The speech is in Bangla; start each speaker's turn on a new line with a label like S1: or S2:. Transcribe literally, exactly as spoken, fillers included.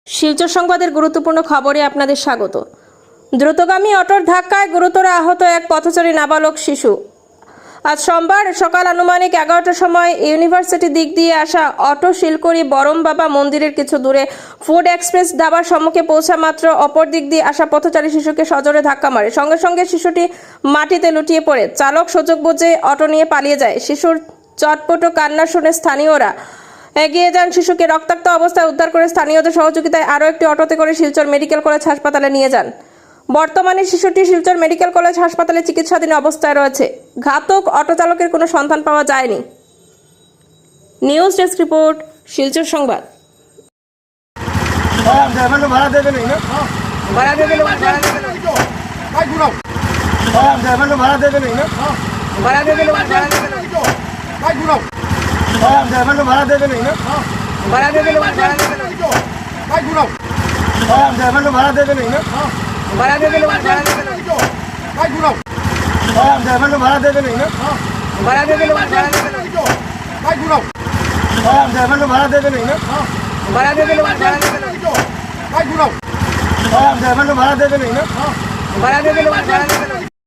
S1: শিলচর সংবাদের গুরুত্বপূর্ণ খবরে আপনাদের স্বাগত। দ্রুতগামী অটোর ধাক্কায় গুরুতর আহত এক পথচারী নাবালক শিশু। আজ সোমবার সকাল আনুমানিক এগারোটার সময় ইউনিভার্সিটি দিক দিয়ে আসা অটো শিলকড়ি বরম বাবা মন্দিরের কিছু দূরে ফুড এক্সপ্রেস ধাবার সম্মুখে পৌঁছা মাত্র অপর দিক দিয়ে আসা পথচারী শিশুকে সজোরে ধাক্কা মারে। সঙ্গে সঙ্গে শিশুটি মাটিতে লুটিয়ে পড়ে। চালক সুযোগ বুঝে অটো নিয়ে পালিয়ে যায়। শিশুর চটপট কান্না শুনে স্থানীয়রা এগিয়ে যান। শিশুকে রক্তাক্ত অবস্থায় উদ্ধার করে স্থানীয়দের সহযোগিতায় আরও একটি অটোতে করে শিলচর মেডিকেল কলেজ হাসপাতালে নিয়ে যান। বর্তমানে শিশুটি শিলচর মেডিকেল কলেজ হাসপাতালে চিকিৎসাধীন অবস্থায় রয়েছে। ঘাতক অটো চালকের কোনো সন্ধান পাওয়া যায়নি। নিউজ ডেস্ক রিপোর্ট, শিলচর সংবাদ।
S2: ভাড়া দেবে না ভাড়া দেবে না ভাড়া দেবে না ভাই ঘুরাও ভাড়া দেবে না ভাড়া দেবে না ভাড়া দেবে না ভাই ঘুরাও ভাড়া দেবে না ভাড়া দেবে না ভাড়া দেবে না ভাই ঘুরাও ভাড়া দেবে না ভাড়া দেবে না ভাড়া দেবে না ভাই ঘুরাও ভাড়া দেবে না ভাড়া দেবে না ভাড়া দেবে না ভাই ঘুরাও ভাড়া দেবে না ভাড়া দেবে না ভাড়া দেবে না ভাই ঘুরাও ভাড়া দেবে না ভাড়া দেবে না ভাড়া দেবে না